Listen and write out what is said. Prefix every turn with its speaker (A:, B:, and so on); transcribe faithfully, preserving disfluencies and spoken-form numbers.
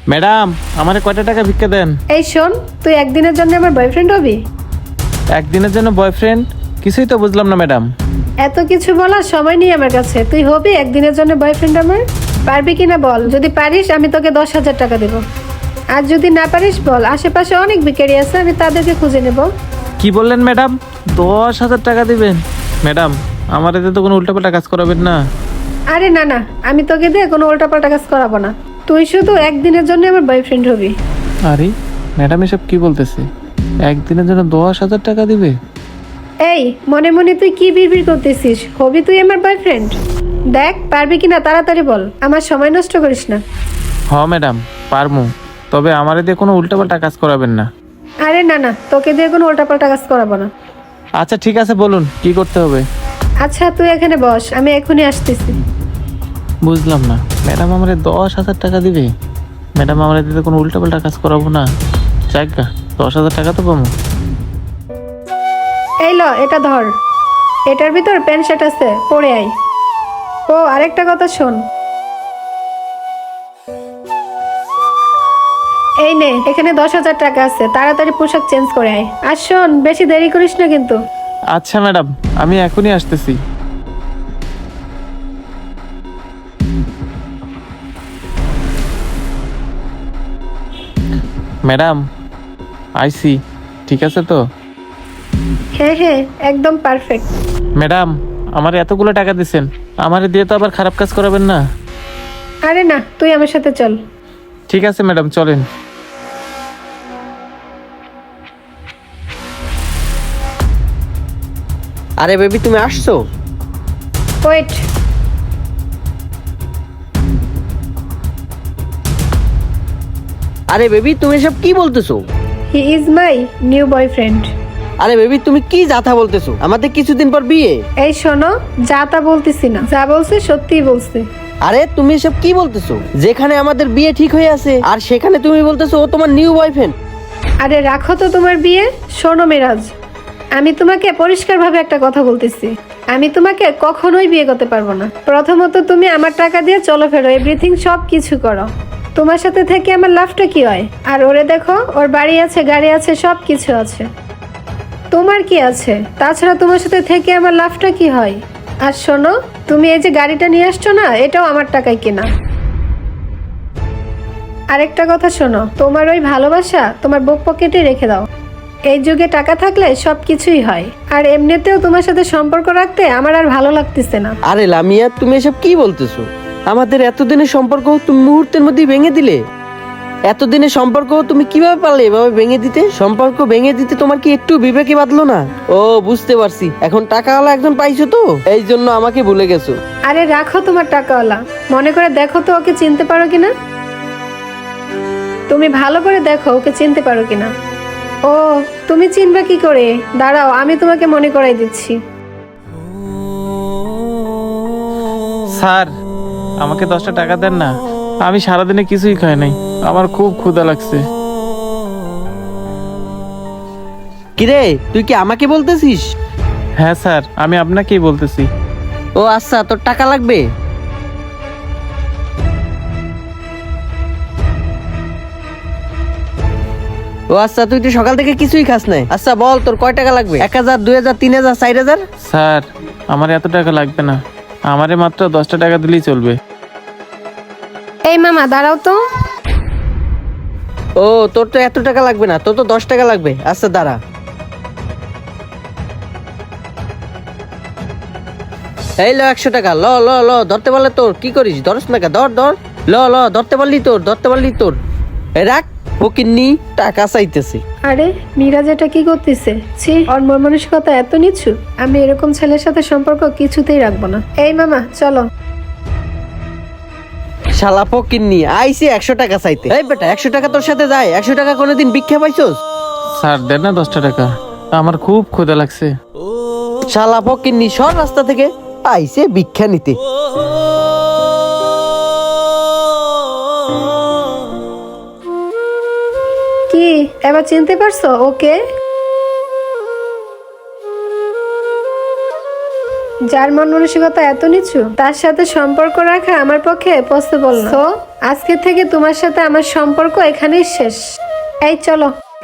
A: Madam, আমারে কয়টা টাকা ভিক্ষা দেন?
B: এই শোন, তুই একদিনের জন্য আমার বয়ফ্রেন্ড হবি?
A: একদিনের জন্য বয়ফ্রেন্ড? কিছুই তো বুঝলাম না ম্যাডাম।
B: এত কিছু বলার সময় নেই আমার কাছে। তুই হবি একদিনের জন্য বয়ফ্রেন্ড আমার? পারবি কিনা বল। যদি পারিস আমি তোকে দশ হাজার টাকা দেবো। আর যদি না পারিস বল, আশেপাশে অনেক ভিখারি আছে, আমি তাদেরকে খুঁজে নেব।
A: কি বললেন ম্যাডাম? দশ হাজার টাকা দিবেন? ম্যাডাম, আমার এতে তো কোনো উল্টাপাল্টা কাজ করাবেন না?
B: আরে না না, আমি তোকে দিয়ে কোনো উল্টাপাল্টা কাজ করাবো না। তুই শুধু একদিনের জন্য আমার বয়ফ্রেন্ড হবি।
A: আরে ম্যাডাম, এসব কি বলতেছে? একদিনের জন্য দশ হাজার টাকা দিবে?
B: এই মনে মনে তুই কি বিড়বিড় করতেছিস? হবি তুই আমার বয়ফ্রেন্ড? দেখ পারবি কিনা তাড়াতাড়ি বল, আমার সময় নষ্ট করিস না।
A: হ ম্যাডাম, পারমু। তবে আমার দিয়ে কোনো উল্টাপাল্টা কাজ করাবেন না।
B: আরে না না, তোকে দিয়ে কোনো উল্টাপাল্টা কাজ করাবো না।
A: আচ্ছা ঠিক আছে, বলুন কি করতে হবে।
B: আচ্ছা তুই এখানে বস, আমি এখনই আসতেছি।
A: বুঝলাম না, ম্যাডাম আমার দশ হাজার টাকা দিবে? ম্যাডাম আমার দিতে কোনো উল্টাপাল্টা কাজ করাবো না। যাক গা, দশ হাজার টাকা তো পাবো।
B: এই ল, এটা ধর। এটার ভিতর প্যান্ট শার্ট আছে, পরে আয়। ও আরেকটা কথা শোন, এই নে, এখানে দশ হাজার টাকা আছে, তাড়াতাড়ি পোশাক চেঞ্জ করে আয়। আর শোন, বেশি দেরি করিস না কিন্তু।
A: আচ্ছা ম্যাডাম, আমি এখনই আসতেছি। Madam, I see. ঠিক আছে তো?
B: হ্যাঁ হ্যাঁ, একদম পারফেক্ট।
A: ম্যাডাম, আমার এতগুলো টাকা দিচ্ছেন, আমারে দিয়ে তো আবার খারাপ কাজ করাবেন না?
B: আরে না, তুই আমার সাথে চল।
A: ঠিক আছে ম্যাডাম, চলেন।
C: আরে বেবি, তুমি আসছো?
B: ওয়েট।
C: আরে বেবি, তুমি এসব কি বলতেছো?
B: He is my new boyfriend.
C: আরে বেবি, তুমি কি যাতা বলতেছো? আমাদের কিছুদিন পর বিয়ে।
B: এই শোনো, যা তা বলতেছি না, যা বলছে সত্যিই বলছে।
C: আরে তুমি এসব কি বলতেছো? যেখানে আমাদের বিয়ে ঠিক হয়ে আছে আর সেখানে তুমি বলতেছো ও তোমার নিউ বয়ফ্রেন্ড।
B: আরে রাখো তো তোমার বিয়ে। শোনো মিরাজ, আমি তোমাকে পরিষ্কারভাবে একটা কথা বলতেছি, আমি তোমাকে কখনোই বিয়ে করতে পারবো না। প্রথমত তুমি আমার টাকা দিয়ে চলো ফেরো, এভরিথিং সব কিছু করো। তোমার সাথে থেকে আমার লাভটা কি হয়? আর ওরে দেখো, ওর বাড়ি আছে, গাড়ি আছে, সব কিছু আছে। তোমার কি আছে? তাছাড়া তোমার সাথে থেকে আমার লাভটা কি হয়? আর শোনো, তুমি এই যে গাড়িটা নিয়ে আসছো না, এটাও আমার টাকায় কেনা। আরেকটা কথা শোনো, তোমার ওই ভালোবাসা তোমার বুক পকেটে রেখে দাও। এই যুগে টাকা থাকলে সব কিছুই হয়। আর এমনিতেও তোমার সাথে সম্পর্ক রাখতে আমার আর ভালো লাগতেছে না।
C: আরে লামিয়া, তুমি এসব কি বলতেছো? আমাদের এতদিনের সম্পর্ক তুমি মুহূর্তের মধ্যেই ভেঙে দিলে। এতদিনের সম্পর্ক তুমি কিভাবে পারলে এভাবে ভেঙে দিতে? সম্পর্ক ভেঙে দিতে তোমার কি একটু বিবেকে বাঁধলো না? ও বুঝতে পারছি, এখন টাকাওয়ালা একজন পাইছো তো, এই জন্য আমাকে ভুলে গেছো।
B: আরে রাখো তোমার টাকাওয়ালা, মনে করে দেখো তো ওকে চিনতে পারো কিনা। তুমি ভালো করে দেখো ওকে চিনতে পারো কিনা। ও, তুমি চিনবে কি করে? দাঁড়াও, আমি তোমাকে মনে করাই দিচ্ছি।
A: স্যার, আমাকে দশটা টাকা দেন না। আমি সারাদিনে কিছুই খাই নাই, আমার খুব ক্ষুধা লাগছে।
C: কিরে, তুই কি আমাকে বলতেছিস?
A: হ্যাঁ স্যার, আমি আপনাকেই বলতেছি।
C: ও আচ্ছা, তোর টাকা লাগবে? ও আচ্ছা, তুই তো সকাল থেকে কিছুই খাস নাই। আচ্ছা বল, তোর কয় টাকা লাগবে? এক হাজার, দুই হাজার, তিন হাজার, চার হাজার?
A: স্যার, আমার এত টাকা লাগবে না, আমারে মাত্র দশটা টাকা দিলেই চলবে।
B: এই মামা দাঁড়াও তো।
C: ও, তোর তো এত টাকা লাগবে না, তোর তো দশ টাকা লাগবে। আচ্ছা দাঁড়া। এই ল একশো টাকা, ল ল ল ধরতে পারলে তোর। কি করিস, ধরস না কে? ধর ধর, ল ল ধরতে পারলি তোর, ধরতে পারলি তোর। এ রাখ, ফকিন্নি টাকা চাইতেছে।
B: আরে মিরাজ এটা কি করতেছে? ছি, ওর মন মানসিকতা এত নিচু। আমি এরকম ছেলের সাথে সম্পর্ক কিছুতেই রাখবো না। এই মামা চলো।
C: শালা ফকিন্নি আইসি একশো টাকা চাইতে। এই বেটা, একশো টাকা তোর সাথে যায়? একশো টাকা কোনোদিন ভিক্ষা পাইছস?
A: স্যার দেন না দশটা টাকা, আমার খুব ক্ষুধা লাগছে।
C: শালা ফকিন্নি, সর রাস্তা থেকে। আইসে ভিক্ষা নিতে।
B: কি এবার চিনতে পারছো ওকে? যার মন মানসিকতা এত নিচু, তার সাথে সম্পর্ক রাখা আমার পক্ষে পসিবল না। তো আজকে থেকে তোমার সাথে আমার সম্পর্ক এখানেই শেষ। এই চলো।